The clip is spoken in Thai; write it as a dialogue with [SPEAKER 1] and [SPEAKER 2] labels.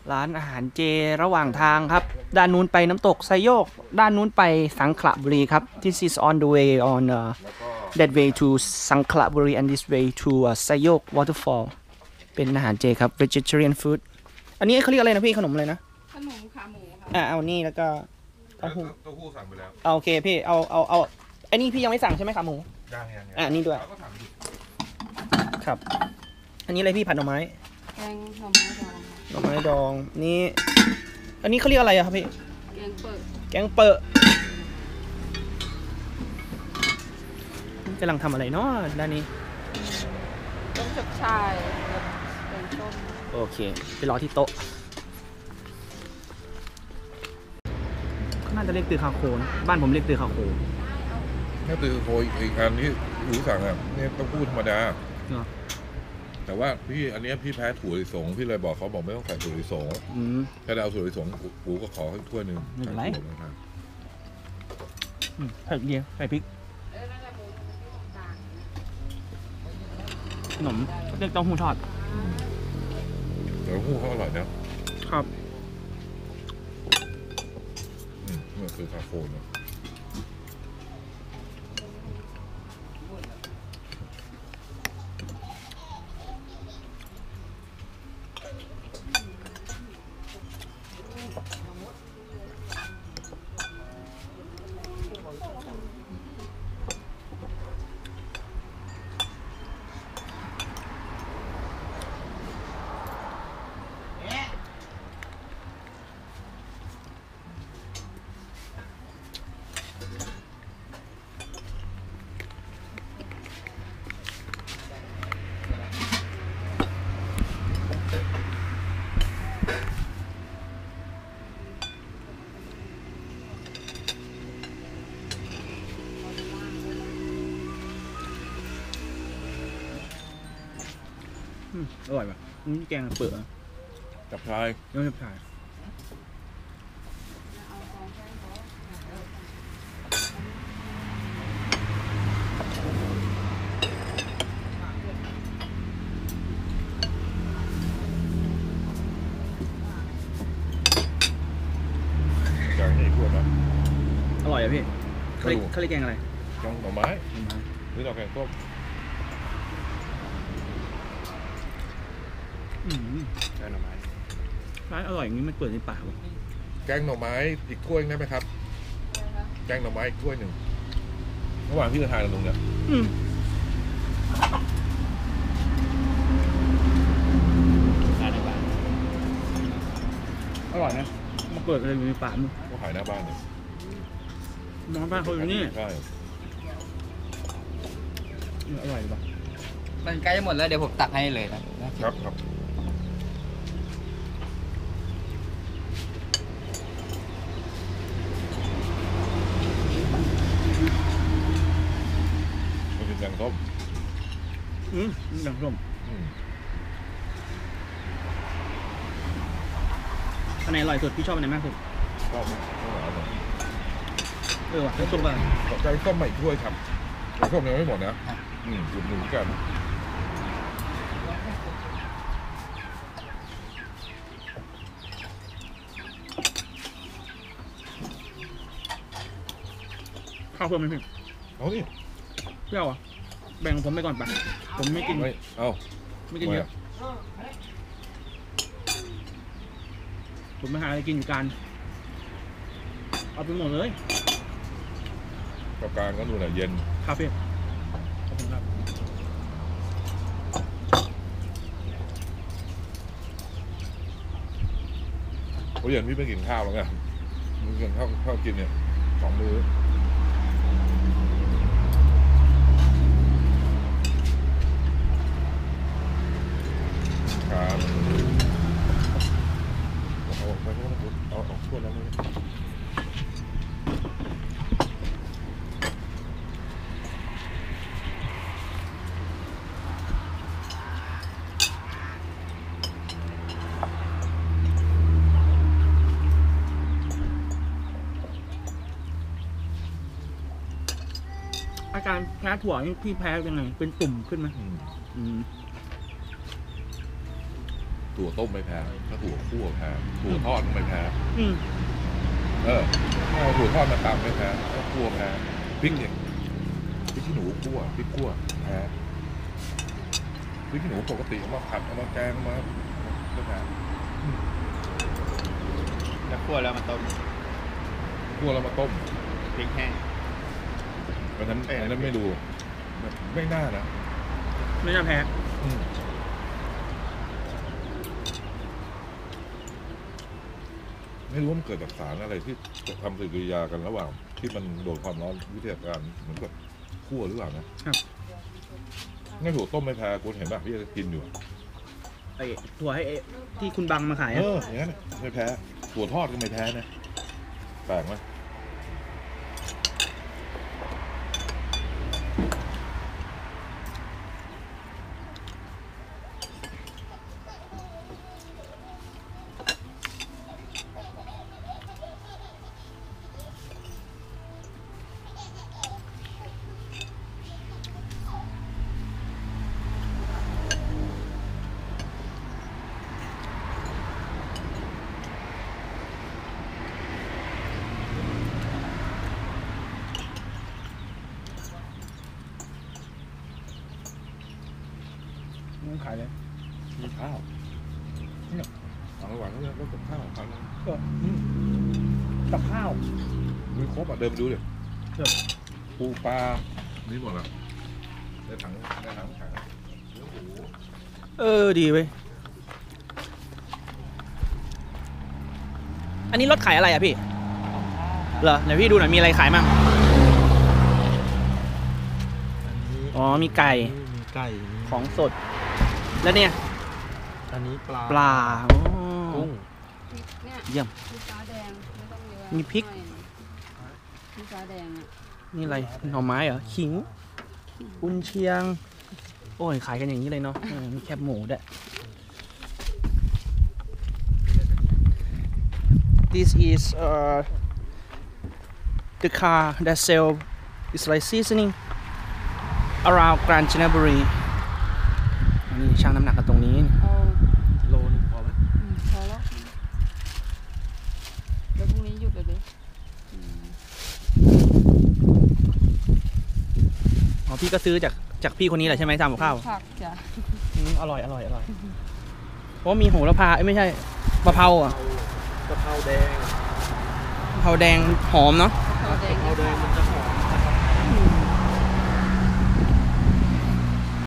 [SPEAKER 1] ร้านอาหารเจระหว่างทางครับด้านนู้นไปน้ำตกไซโยกด้านนู้นไปสังขละบุรีครับ This is on the way on that way to สังขละบุรี and this way to ไซโยก waterfall เป็นอาหารเจครับ vegetarian food อันนี้เขาเรียกอะไรนะพี่ขนมอะไรนะ
[SPEAKER 2] ขนมขาหมูค่ะ
[SPEAKER 1] เอานี่แล้วก็เต้าหู้
[SPEAKER 3] สั่งไปแล้ว
[SPEAKER 1] โอเคพี่เอาอันนี้พี่ยังไม่สั่งใช่ไหมขาหมู
[SPEAKER 3] ยัง
[SPEAKER 1] นี่ด้วยครับอันนี้อะไรพี่ผัดหน่อไม้
[SPEAKER 2] แกงหน่อไม้ดอง
[SPEAKER 1] หน่อไม้ดองนี่อันนี้เขาเรียกอะไรอะครับพี่
[SPEAKER 2] แกงเปิด
[SPEAKER 1] กำลังทำอะไรเนาะด้านนี้
[SPEAKER 2] ต้มจับชายแกงส้ม
[SPEAKER 1] โอเคไปรอที่โต๊ะน่าจะเรียกตือคาโคนะบ้านผมเรียกตือคาโค
[SPEAKER 3] ถ้าตือโคอีกอันที่หูสั่งอ่ะนี่ต้องพูดธรรมดาแต่ว่าพี่อันนี้พี่แพ้ถั่วลิสงพี่เลยบอกเขาบอกไม่ต้องใส่ถั่วลิสงถ้าเอาถั่วลิสงปูก็ขอให้ถ้วยนึง
[SPEAKER 1] ไม่เป็นไรใส่เดียวใส่พริกขนมเรียกเต้าหู้ทอด
[SPEAKER 3] เต้าหู้เขาอร่อยนะครับนี่คือคาโฟน
[SPEAKER 1] อร่อยป่ะนี่แกงเปลือก
[SPEAKER 3] จับชาย
[SPEAKER 1] ยังจับชาย
[SPEAKER 3] แกงนี่พูดนะ
[SPEAKER 1] อร่อยอ่ะพี่เขาเรียกแกงอะไร
[SPEAKER 3] แกงหน่อไม้หรือเราแกงต้ม
[SPEAKER 1] แกงหน่อไม้ร้านอร่อยอย่างนี้มันเปิดในป่าวะ
[SPEAKER 3] แกงหน่อไม้อีกถ้วยได้ไหมครับแกงหน่อไม้อีกถ้วยหนึ่งระหว่างที่เราทานกันตรงเนี้ย
[SPEAKER 1] อร่อยนะมาเปิดอะไรอยู่ในป่ามึง
[SPEAKER 3] ก็ขายหน้าบ้านเลย
[SPEAKER 1] น้องบ้านเขาอยู่นี่
[SPEAKER 3] ใช่
[SPEAKER 1] อร่อยป่ะ
[SPEAKER 4] มันใกล้จะหมดแล้วเดี๋ยวผมตักให้เลยนะครับ
[SPEAKER 3] มันเป็นแกงส้ม
[SPEAKER 1] แกงส้มอันไหนอร่อยสุดพี่ชอบอันไหนมากสุด
[SPEAKER 3] ชอบ
[SPEAKER 1] ว่ะแกงส้มป่ะ
[SPEAKER 3] แกงส้มใหม่ถ้วยครับแกงส้มยังไม่หมดนะจุดหนึ่งกัน
[SPEAKER 1] ข้าวเพิ่มไหมพี่
[SPEAKER 3] เอาดิ
[SPEAKER 1] เปรี้ยวอ่ะแบ่งผมไปก่อนป่ะผมไม่กินไม่กินเยอะผมไม่หาอะไรกินอยู่กันเอาไปหมดเลย
[SPEAKER 3] กับการก็ดูแลเย็น
[SPEAKER 1] ครับพี่ขอบคุณครับ
[SPEAKER 3] เพราะเย็นพี่ไม่กินข้าวแล้วไงมึงกินข้าวกินเนี่ย2 มื้อครับเอาถ้วยแล้วนี่
[SPEAKER 1] อาการแพ้ถั่วนี่พี่แพ้ยังไงเป็นตุ่มขึ้นไหม
[SPEAKER 3] ถั่วต้มไม่แพ้ถ้าถั่วคั่วแพ้ถั่วทอดไม่แพ้
[SPEAKER 1] อืม
[SPEAKER 3] เอาถั่วทอดมาตำไม่แพ้ก็คั่วแพ้พริกเนี่ยพริกขี้หนูคั่วพริกคั่วแพ้พริกขี้หนูปกติเอามาผัดเอามาแกงมาก็แพ้
[SPEAKER 4] แล้วคั่วแล้วมันต้ม
[SPEAKER 3] คั่วแล้วมาต้ม
[SPEAKER 4] พริกแห้ง
[SPEAKER 3] อันนั้นไม่ดูไม่น่านะ
[SPEAKER 1] ไม่น่าแพ้
[SPEAKER 3] ไม่รู้ว่ามันเกิดจากสารอะไรที่จะทำปฏิกิริยากันระหว่างที่มันโดนความร้อนวิทยาการเหมือนกับคั่วหรือเปล่านะครับ งั้นถั่วต้มไม่แพ้คุณเห็นป่ะพี่จะกินอยู่
[SPEAKER 1] ไอ้ถั่วให้ที่คุณบังมาขายอะ
[SPEAKER 3] อย่างนั้นไม่แพ้ถั่วทอดก็ไม่แพ้นะแปลกไหม
[SPEAKER 1] ขายเลย
[SPEAKER 3] มีข้าวเนี่ยเอาระหว่างนั้นก็กับข้าวพัน
[SPEAKER 1] กับข้าว
[SPEAKER 3] มีครบอ่ะเดินไปดูดิ
[SPEAKER 1] ครับ
[SPEAKER 3] ปูปลานี่หมดอ่ะในถังแข็งเนื้อหมู
[SPEAKER 1] ดีเว้ยอันนี้รถขายอะไรอ่ะพี่เหรอไหนพี่ดูหน่อยมีอะไรขายมั่งอ๋อมีไก่
[SPEAKER 5] มีไก่
[SPEAKER 1] ของสด แล้วเนี่ย
[SPEAKER 5] อันนี้ปลา
[SPEAKER 1] ปลาอ๋อ
[SPEAKER 5] กุ้ง
[SPEAKER 2] เนี่ย
[SPEAKER 1] เยี่ยม
[SPEAKER 2] มีฟ้าแดงไม่ต้องเยอะ
[SPEAKER 1] มีพริก
[SPEAKER 2] หน่อยมีฟ้าแดงอ่ะ
[SPEAKER 1] นี่อะไรหน่อไม้เหรอขิงกุนเชียง โอ้ยขายกันอย่างนี้เลยเนาะมีแคบหมูด้วย This is the car that sell is like seasoning around Kanchanaburi นี่ช่างน้ำหนักกันตรงนี้
[SPEAKER 2] เอา
[SPEAKER 5] โลนึงพอไหม
[SPEAKER 2] พอแล้วเดี๋ยวพรุ่งนี้หยุดเลยดิอืม
[SPEAKER 1] อ๋อพี่ก็ซื้อจากพี่คนนี้แหละใช่ไหมทำกับข้าว
[SPEAKER 2] ผักจ้ะ
[SPEAKER 1] อร่อยเพราะมีโหระพาไม่ใช่มะเพราอ่ะ
[SPEAKER 5] กะเพราแดง
[SPEAKER 1] มะเพราแดงหอมเนาะ
[SPEAKER 2] ข้าวแดง
[SPEAKER 5] กะเพราแดงมันจะหอ